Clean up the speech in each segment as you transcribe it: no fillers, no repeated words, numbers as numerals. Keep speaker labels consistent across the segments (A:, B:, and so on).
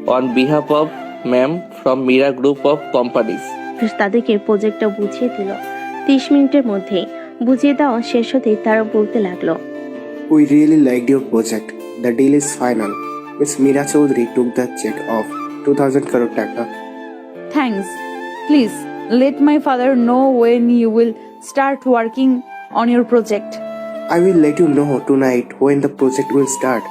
A: On behalf of ma'am from Meera group of companies.
B: তাদেরকে প্রজেক্টটা বুঝিয়ে দিল। 30 মিনিটের মধ্যেই বুঝিয়ে দেওয়া শেষ হতেই তারা বলতে লাগলো,
C: We really liked your project. The deal is final. Miss Meera Chaudhary took the check of 2000 crore taka.
D: Thanks. Please let my father know when you will start working on your project.
C: I will let you know tonight when the project will start.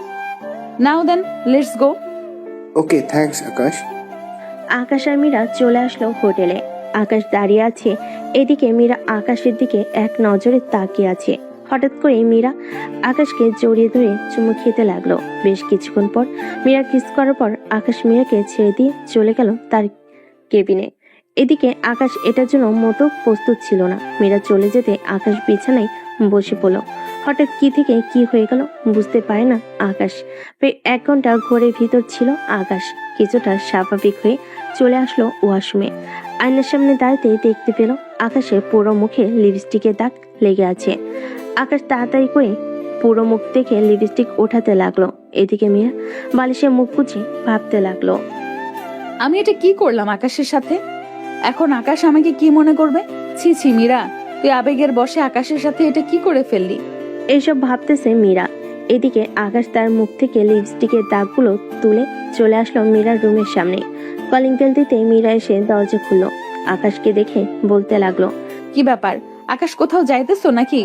D: Now then, let's go.
C: Okay, thanks Akash.
B: আকাশ আর মীরা চলে আসলো হোটেলে। আকাশ দাঁড়িয়ে আছে, এদিকে মীরা আকাশের দিকে এক নজরে তাকিয়ে আছে। হঠাৎ করে মীরা আকাশকে জড়িয়ে ধরে চুমু খেতে লাগলো। বেশ কিছুক্ষণ পর মীরা কিস করার পর আকাশ মীরাকে ছেড়ে দিয়ে চলে গেল তার কেবিনে। এদিকে আকাশ এটার জন্য মোটেও প্রস্তুত ছিল না। মীরা চলে যেতে আকাশ বিছানায় বসে পড়ল। হঠাৎ কি থেকে কি হয়ে গেল বুঝতে পারে না আকাশ। প্রায় 1 ঘন্টা ঘরের ভিতর ছিল আকাশ। কিছুটা স্বাভাবিক হয়ে চলে আসলো ওয়াশরুমে। আয়নার সামনে দাঁড়াতে দেখতে পেল আকাশের পুরো মুখে লিপস্টিকের দাগ লেগে আছে। আকাশ তাড়াতাড়ি করে পুরো মুখ দেখে লিপস্টিক ওঠাতে লাগলো। এদিকে মিয়া বালিশে মুখ গুজে ভাবতে লাগলো,
D: আমি এটা কি করলাম আকাশের সাথে? এখন আকাশ আমাকে কি মনে করবে? ছি ছি মীরা, তুই আবেগের বশে আকাশের সাথে এটা কি করে ফেললি?
B: এইসব ভাবতেছে মীরা। এদিকে আকাশ তার মুখ থেকে লিপস্টিকের দাগগুলো তুলে চলে আসলো মীরার রুমের সামনে। কলিং বেল দিতে মীরা এসে দরজা খুললো। আকাশকে দেখে বলতে লাগলো,
D: কি ব্যাপার, আকাশ কোথাও যাইতেছো নাকি?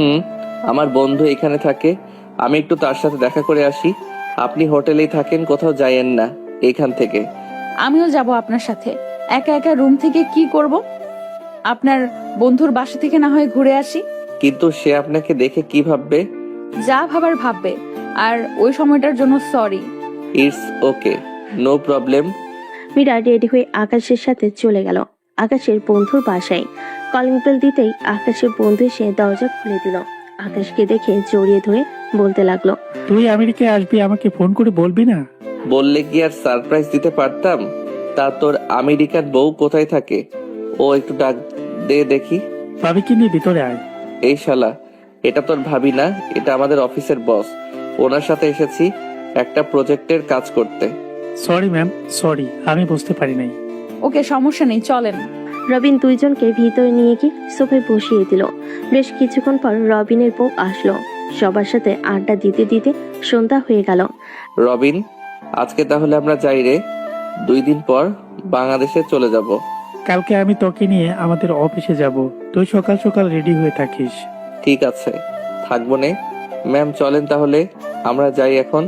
A: আমার বন্ধু এখানে থাকে, আমি একটু তার সাথে দেখা করে আসি। আপনি হোটেলেই থাকেন, কোথাও যাইয়েন না এখান থেকে।
D: আমিও যাব আপনার সাথে। একা একা রুম থেকে কি করব? আপনার বন্ধুর বাসা থেকে না হয় ঘুরে আসি।
A: কিন্তু সে আপনাকে দেখে কি ভাববে?
D: যা ভাবার ভাববে। আর ওই সময়টার জন্য sorry.
A: It's okay, no problem.
B: Meera ready হয়ে আকাশের সাথে চলে গেল আকাশের বন্ধুর বাসায়। কলিং বেল দিতেই আকাশের বন্ধু এসে দরজা খুলে দিল। আকাশকে দেখে জড়িয়ে ধরে বলতে লাগলো,
E: তুই আমেরিকায় আসবি, আমাকে ফোন করে বলবি না?
A: বললে কি আর সারপ্রাইজ দিতে পারতাম? তা তোর আমেরিকার বউ কোথায় থাকে? ও একটু ডাক দে দেখি।
E: ভাবিকে নিয়ে ভিতরে আয়।
A: এই শালা, এটা তোর ভাবি না, এটা আমাদের অফিসের বস। ওনার সাথে এসেছি একটা প্রজেক্টের কাজ করতে।
E: সরি ম্যাম, সরি, আমি বুঝতে পারি নাই।
D: ওকে, সমস্যা নেই, চলেন।
B: রবিন দুইজনকে ভিতরে নিয়ে গিয়ে সোফায় বসিয়ে দিল। বেশ কিছুক্ষণ পর রবিনের বউ আসলো। সবার সাথে আড্ডা দিতে দিতে সন্ধ্যা হয়ে গেল।
A: রবিন, আজকে তাহলে আমরা যাই রে। 2 দিন পর বাংলাদেশে চলে যাব।
E: কালকে আমি তোকে নিয়ে আমাদের অফিসে যাব, তুই সকাল সকাল রেডি হয়ে থাকিস।
A: ঠিক আছে, থাকবো নে। ম্যাম চলেন তাহলে, আমরা যাই এখন।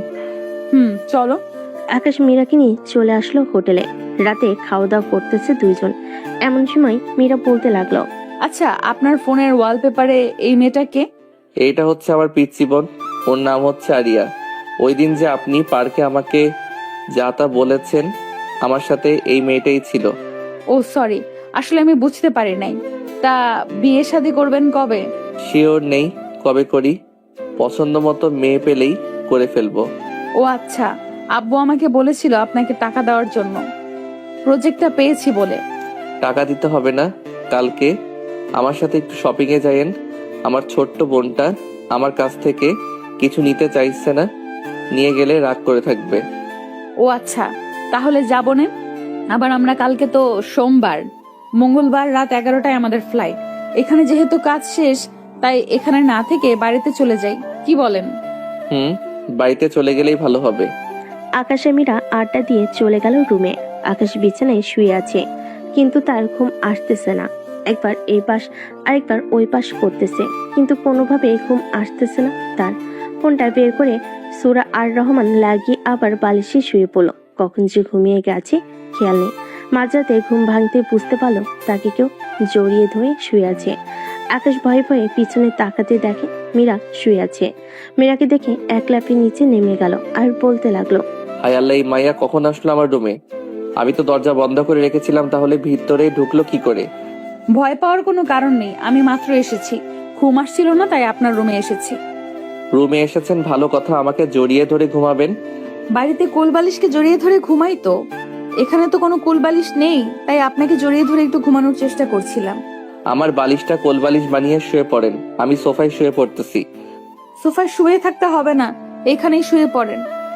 D: চলো।
B: আকাশ মীরাকে নিয়ে চলে আসলো হোটেলে। রাতে খাওয়া দাওয়া করতেছে দুইজন। এমন সময় মীরা বলতে লাগলো,
D: আচ্ছা, আপনার ফোনের ওয়ালপেপারে এই মেয়েটাকে?
A: এইটা হচ্ছে আমার পিচ্চি বোন, ওর নাম হচ্ছে আরিয়া। ওই দিন যে আপনি পার্কে আমাকে যা তা বলেছেন, আমার সাথে এই মেয়েটাই ছিল।
D: ও সরি, আসলে আমি বুঝতে পারি নাই। তা বিয়ে শাদী করবেন কবে?
A: শিওর নেই কবে করি, পছন্দ মতো মেয়ে পেলেই করে ফেলবো।
D: ও আচ্ছা, আব্বু আমাকে বলেছিল আপনাকে টাকা দেওয়ার জন্য, প্রজেক্টটা পেয়েছি বলে।
A: টাকা দিতে হবে না, কালকে আমার সাথে একটু শপিং এ যাইয়েন। আমার ছোট্ট বোনটা আমার কাছ থেকে কিছু নিতে চাইছে না, নিয়ে গেলে রাগ করে থাকবে।
D: ও আচ্ছা, তাহলে যাবো না। আবার আমরা কালকে তো সোমবার, মঙ্গলবার রাত 11টায় আমাদের ফ্লাইট। এখানে যেহেতু কাজ শেষ, তাই এখানে না থেকে বাড়িতে চলে যাই, কি বলেন?
A: বাড়িতে চলে গেলেই ভালো হবে।
B: আকাশে মীরা আড্ডা দিয়ে চলে গেল রুমে। আকাশ বিছানায় শুয়ে আছে, কিন্তু তার ঘুম আসতেছে না। একবার এই পাশ আরেকবার ওই পাশ করতেছে, কিন্তু কোনোভাবে ঘুম আসতেছে না তার। ফোনটা বের করে সূরা আর রহমান লাগিয়ে আবার বালিশে শুয়ে পড়লো। কখন যে ঘুমিয়ে গেছে খেয়াল নেই। মাঝরাতে ঘুম ভাঙতে বুঝতে পারলো তাকে কেউ জড়িয়ে ধরে শুয়ে আছে। আকাশ ভয়ে ভয়ে পিছনে তাকাতে দেখে মীরা শুয়ে আছে। মীরাকে দেখে এক লাফে নিচে নেমে গেল আর বলতে লাগলো,
A: হায় আল্লাহ, এই মাইয়া কখন আসলো আমার রুমে? আমি তো দরজা বন্ধ করে রেখেছিলাম, তাহলে ভিতরে ঢুকলো কি করে?
D: ভয় পাওয়ার কোনো কারণ নেই, আমি মাত্র এসেছি, ঘুম আসছিল না তাই আপনার রুমে এসেছি।
A: রুমে এসেছেন ভালো কথা, আমাকে জড়িয়ে ধরে ঘুমাবেন?
D: বাড়িতে কোলবালিশকে জড়িয়ে ধরে ঘুমাই তো, এখানে তো কোনো কোলবালিশ নেই, তাই আপনাকে জড়িয়ে ধরে একটু ঘুমানোর চেষ্টা করছিলাম।
A: আমার বালিশটা কোলবালিশ বানিয়ে শুয়ে পড়েন, আমি সোফায় শুয়ে পড়তেছি।
D: সোফায় শুয়ে থাকতে হবে না, এখানেই শুয়ে পড়েন।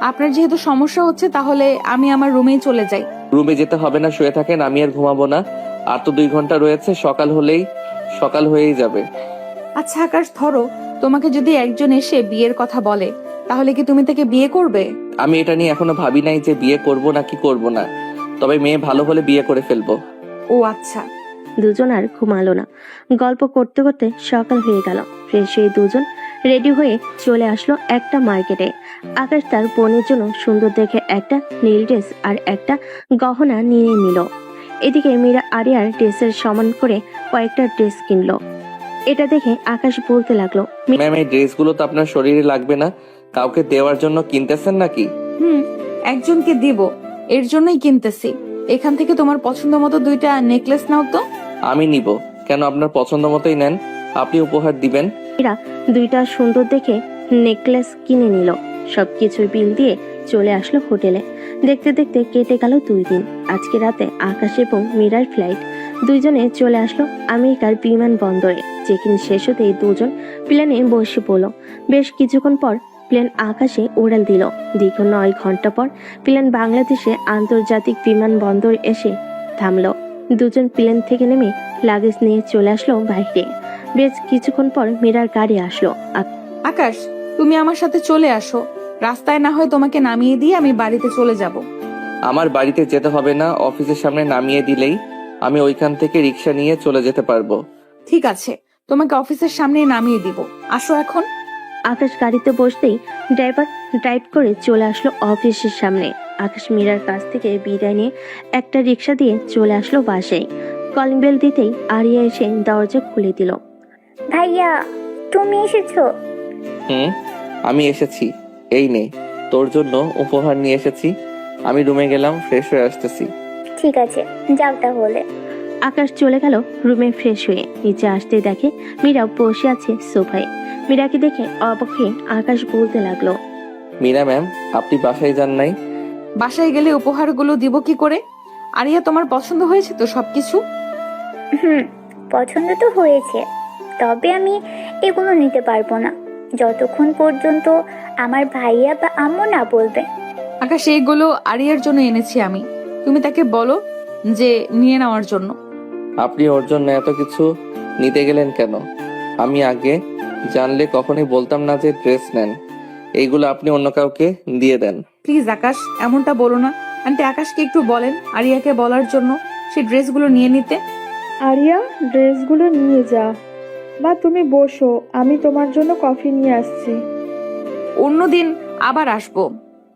D: আপনার যেহেতু সমস্যা হচ্ছে তাহলে আমি আমার রুমেই চলে যাই।
A: রুমে যেতে হবে না, শুয়ে থাকেন, আমি আর ঘুমাবো না। আর তো 2 ঘন্টা রয়েছে, সকাল হয়েই যাবে।
D: আচ্ছা আকাশ, ধরো তোমাকে যদি একজন এসে বিয়ের কথা বলে, তাহলে কি তুমি তাকে বিয়ে করবে?
A: আমি এটা নিয়ে এখনো ভাবি নাই যে বিয়ে করব না কি করব না, তবে মেয়ে ভালো হলে বিয়ে করে ফেলবো।
D: ও আচ্ছা।
B: দুজন আর ঘুমালো না। গল্প করতে করতে সকাল হয়ে গেল। ফ্রেশ হয়ে দুজন রেডি হয়ে চলে আসলো একটা মার্কেটে। আকাশ তার বোনের জন্য সুন্দর দেখে একটা নীল ড্রেস আর একটা গহনা নিয়ে নিল। এদিকে মীরা আরিয়ার ড্রেসের সমান করে কয়েকটা ড্রেস কিনলো। এটা দেখে আকাশ বলতে লাগলো,
A: ম্যাম, এই ড্রেসগুলো তো আপনার শরীরে লাগবে না, কাউকে দেওয়ার জন্য কিনতেছেন নাকি?
D: একজনকে দিব, এর জন্যই কিনতেছি। এখান থেকে তোমার পছন্দ মতো 2টা নেকলেস নাও তো।
A: আমি নিব কেন? আপনার পছন্দ মতোই নেন, আপনি উপহার দিবেন।
B: মীরা 2টা সুন্দর দেখে নেকলেস কিনে নিল। সবকিছু বিল দিয়ে চলে আসলো হোটেলে। দেখতে দেখতে কেটে গেল 2 দিন। আজকে রাতে আকাশ এবং মীরার ফ্লাইট। দুইজনে চলে আসলো আমেরিকার বিমানবন্দরে। চেক ইন শেষ হতেই দুজন প্লেনে বসে পড়লো। বেশ কিছুক্ষণ পর প্লেন আকাশে উড়াল দিল। দীর্ঘ 9 ঘন্টা পর প্লেন বাংলাদেশে আন্তর্জাতিক বিমানবন্দর এসে থামলো। দুজন প্লেন থেকে নেমে লাগেজ নিয়ে চলে আসলো বাইরে। বেশ কিছুক্ষণ পর মীরার গাড়ি আসলো।
D: আকাশ, তুমি আমার সাথে চলে আসো। রাস্তায় না হয় তোমাকে নামিয়ে দিয়ে আমি বাড়িতে চলে যাব।
A: আমার বাড়িতে যেতে হবে না, অফিসের সামনে নামিয়ে দিলেই আমি ওইখান থেকে রিক্সা নিয়ে চলে যেতে পারবো।
D: ঠিক আছে, তোমাকে অফিসের সামনেই নামিয়ে দিব। আসো এখন।
B: আকাশ গাড়িতে বসতেই ড্রাইভার ড্রাইভ করে চলে আসলো অফিসের সামনে। আকাশ মীরার কাছ থেকে বিদায় নিয়ে একটা রিক্সা দিয়ে চলে আসলো বাসায়। কলিং বেল দিতেই আরিয়া এসে দরজা খুলে দিল।
F: ভাইয়া, তুমি এসেছো?
A: আমি এসেছি, এই নে তোর জন্য উপহার নিয়ে এসেছি। আমি রুমে গেলাম, ফ্রেশ হয়ে আসতেছি।
F: ঠিক আছে, যাও তাহলে।
B: আকাশ চলে গেল রুমে ফ্রেশ হয়ে। নিচে আসতে দেখে মীরা বসে আছে সোফায়। মীরাকে দেখে অবাক হয়ে আকাশ বলতে লাগলো,
A: মীরা ম্যাম, আপনি বাসায় যান নাই?
D: বাসায় গেলে উপহারগুলো দিব কি করে? আরিয়া, তোমার পছন্দ হয়েছে তো সবকিছু?
F: পছন্দ তো হয়েছে, তবে আমি এগুলো নিতে পারবো না যতক্ষণ পর্যন্ত আমার ভাইয়া বা আম্মু না বলবে।
D: আকাশ, এইগুলো আরিয়ার জন্য এনেছি আমি। তুমি তাকে বলো যে নিয়ে নেওয়ার জন্য।
A: আপনি ওর জন্য এত কিছু নিতে গেলেন কেন? আমি আগে জানলে কখনোই বলতাম না যে ড্রেস নেন। এইগুলো আপনি অন্য কাউকে দিয়ে দেন।
D: প্লিজ আকাশ, এমনটা বলো না। আন্টি, আকাশকে একটু বলেন আরিয়াকে বলার জন্য সেই ড্রেসগুলো নিয়ে নিতে।
G: আরিয়া, ড্রেসগুলো নিয়ে যা। মা, তুমি বসো, আমি তোমার জন্য কফি নিয়ে আসছি।
D: অন্যদিন আবার আসবো।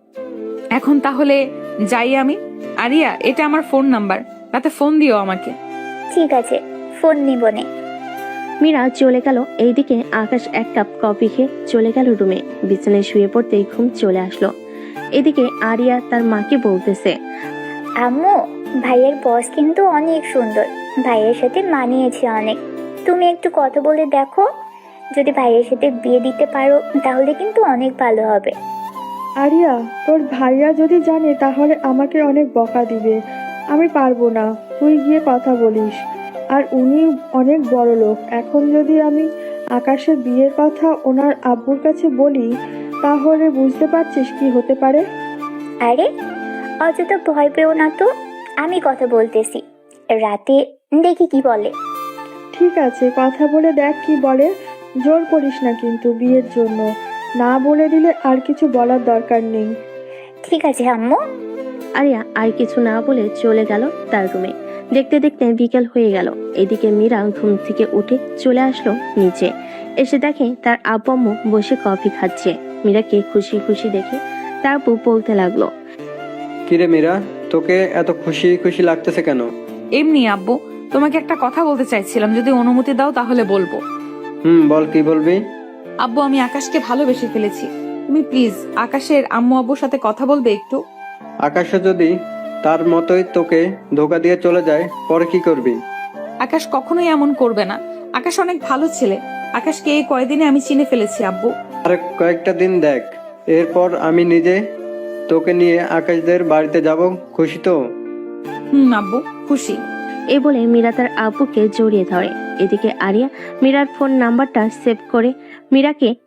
D: এখন তাহলে যাই আমি। আরিয়া, এটা আমার ফোন নাম্বার, তাতে ফোন দিও আমাকে।
F: ঠিক আছে, ফোন নিবনে।
B: মীরা চলে গেল। এইদিকে আকাশ 1 কাপ কফি খেয়ে চলে গেল রুমে। বিছানায় শুয়ে পড়তেই ঘুম চলে আসলো। এদিকে আরিয়া তার মাকে বলতেছে,
F: আম্মু, ভাইয়ের বস কিন্তু অনেক সুন্দর, ভাইয়ের সাথে মানিয়েছে অনেক। তুমি একটু কথা বলে দেখো, যদি ভাইয়ের সাথে বিয়ে দিতে পারো তাহলে কিন্তু অনেক ভালো হবে।
G: আরিয়া, তোর ভাইয়া যদি জানে তাহলে আমাকে অনেক বকা দিবে। আমি পারবো না, তুই গিয়ে কথা বলিস। আর উনি অনেক বড় লোক। এখন যদি আমি আকাশের বিয়ের কথা ওনার আব্বুর কাছে বলি, তাহলে বুঝতে পারছিস কি হতে পারে।
F: আরে অযথা ভয় পেও না তো, আমি কথা বলতেছি, রাতে দেখি কি বলে।
G: ঠিক আছে, কথা বলে দেখ কি বলে। জোর করিস না কিন্তু বিয়ের জন্য। না বলে দিলে আর কিছু বলার দরকার নেই।
F: ঠিক আছে আম্মু।
B: আরিয়া আর কিছু না বলে চলে গেল তার রুমে। দেখতে দেখতে বিকেল হয়ে গেল। এদিকে মীরা ঘুম থেকে উঠে চলে আসলো নিচে। এসে দেখে তার আব্বু আম্মু বসে কফি খাচ্ছে। মীরাকে খুশি খুশি দেখে তার আব্বু বলতে লাগলো,
H: কিরে মীরা, তোকে এত খুশি খুশি লাগতেছে কেন?
D: এমনি আব্বু, তোমাকে একটা কথা বলতে চাইছিলাম, যদি অনুমতি দাও তাহলে বলবো।
H: বল, কি বলবি?
D: আব্বু, আমি আকাশকে ভালোবেসে ফেলেছি। তুমি প্লিজ আকাশের আম্মু আব্বুর সাথে কথা বলবে একটু।
H: আকাশে যদি তার মতোই তোকে ধোকা দিয়ে চলে যায়, পরে কি করবি?
D: আকাশ কখনোই এমন করবে না। আকাশ অনেক ভালো ছেলে। আকাশকে এই কয়দিনে আমি চিনে ফেলেছি আব্বু।
H: আর কয়েকটা দিন দেখ, এরপর আমি নিজে তোকে নিয়ে আকাশদের বাড়িতে যাব। খুশি তো?
D: আব্বু, খুশি।
B: এই বলে মীরা তার আব্বুকে জড়িয়ে ধরে। এদিকে আরিয়া মীরার ফোন নাম্বারটা সেভ করে মীরাকে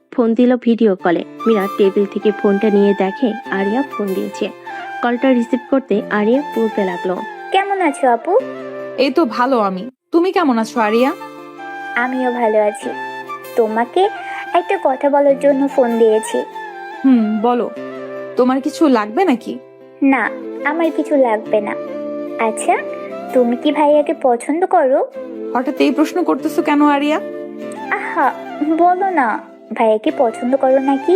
B: ফোন দিল ভিডিও কলে। মীরা টেবিল থেকে ফোনটা নিয়ে দেখে আরিয়া ফোন দিয়েছে। কলটা রিসিভ করতে আরিয়া বলতে লাগলো,
F: কেমন আছো আপু?
D: এই তো ভালো আমি। তুমি কেমন আছো আরিয়া?
F: আমিও ভালো আছি। তোমাকে একটা কথা বলার জন্য ফোন দিয়েছি।
D: বলো। তোমার কিছু লাগবে নাকি?
F: না, আমার কিছু লাগবে না। আচ্ছা, তুমি কি ভাইয়াকে পছন্দ করো?
D: হঠাৎ এই প্রশ্ন করতেছো কেন আরিয়া?
F: আহা, বলো না, ভাইয়াকে পছন্দ করো নাকি?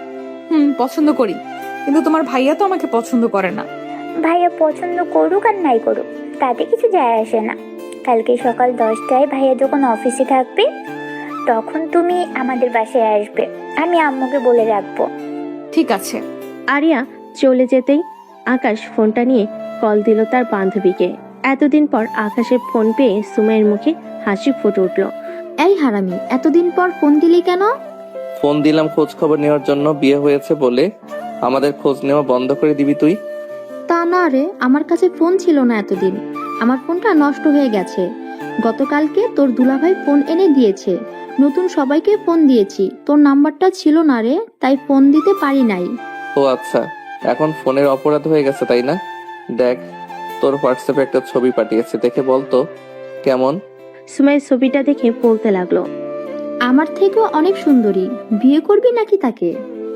D: পছন্দ করি, কিন্তু তোমার ভাইয়া তো আমাকে পছন্দ করে না।
F: ভাইয়া পছন্দ করুক আর নাই করুক, তাতে কিছু যায় আসে না। কালকে সকাল 10টায় ভাইয়া যখন অফিসে থাকবে, তখন তুমি আমাদের বাসায় আসবে। আমি আম্মুকে বলে রাখবো।
D: ঠিক আছে।
B: আরিয়া চলে যেতেই আকাশ ফোনটা নিয়ে কল দিল তার বান্ধবীকে। এতদিন পর আকাশের ফোন পেয়ে সুমাইয়ের মুখে হাসি ফুটে উঠল।
I: এই হারামি, এতদিন পর ফোন দিলি কেন?
A: ফোন দিলাম খোঁজ খবর নেওয়ার জন্য, বিয়ে হয়েছে বলে। আমাদের খোঁজ নেওয়া বন্ধ করে দিবি তুই?
I: তা না রে, আমার কাছে ফোন ছিল না এতদিন। আমার ফোনটা নষ্ট হয়ে গেছে। গতকালকে তোর দুলাভাই ফোন এনে দিয়েছে। নতুন সবাইকে ফোন দিয়েছি, তোর নাম্বারটা ছিল না রে, তাই ফোন দিতে পারি নাই।
A: ও আচ্ছা, এখন ফোনের অপরাধ হয়ে গেছে তাই না? দেখ, তোর হোয়াটসঅ্যাপে একটা ছবি পাঠিয়েছে, দেখে বলতো কেমন।
B: সুমাইয়ের ছবিটা দেখে বলতে লাগলো,
I: আমার থেকেও অনেক সুন্দরী। বিয়ে করবি নাকি তাকে?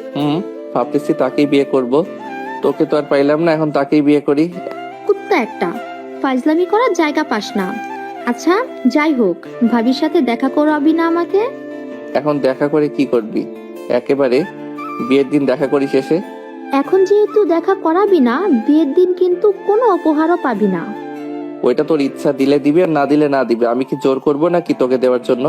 A: ভাবতেছি তাকেই বিয়ে করব। তোকে তো আর পাইলাম না, এখন তাকেই বিয়ে করি।
I: কুত্তা একটা, ফাজলামি করার জায়গা পাস না। আচ্ছা যাই হোক, ভাবির সাথে দেখা করাবি না আমাকে?
A: এখন দেখা করে কি করবি? একেবারে বিয়ের দিন দেখা করি শেষে।
I: এখন যেহেতু দেখা করাবি না, বিয়ের দিন কিন্তু কোনো উপহারও পাবি না।
A: ওইটা তোর ইচ্ছা, দিলে দিবি আর না দিলে না দিবে। আমি কি জোর করবো নাকি তোকে দেওয়ার জন্য?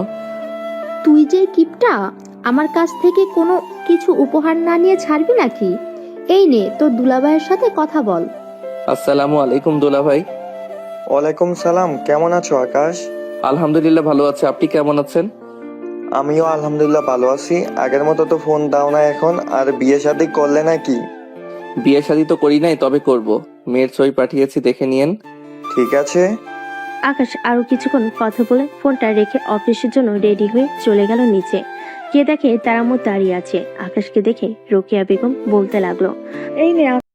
I: তুই যে কিপটা, আমার কাছ থেকে কোনো কিছু উপহার না নিয়ে ছাড়বি নাকি? এই নে, তোর দুলাভাইয়ের সাথে কথা বল।
A: আসসালামু আলাইকুম দুলা ভাই।
J: ওয়ালাইকুম সালাম, কেমন আছো আকাশ?
A: আলহামদুলিল্লাহ ভালো আছে, আপনি কেমন আছেন?
J: আমিও আলহামদুলিল্লাহ ভালো আছি। আগের মতো তো ফোন দাও না এখন। আর বিয়ে শাদী করলে নাকি?
A: বিয়ে শাদী তো করি নাই, তবে করব। মেয়ের ছবি পাঠিয়েছি, দেখে নিয়েন।
J: ঠিক আছে।
B: আকাশ আরো কিছুক্ষণ কথা বলে ফোনটা রেখে অফিসের জন্য রেডি হয়ে চলে গেল নিচে। গিয়ে দেখে তার আম্মু দাঁড়িয়ে আছে। আকাশকে দেখে রোকেয়া বেগম বলতে লাগলো,
G: এই নে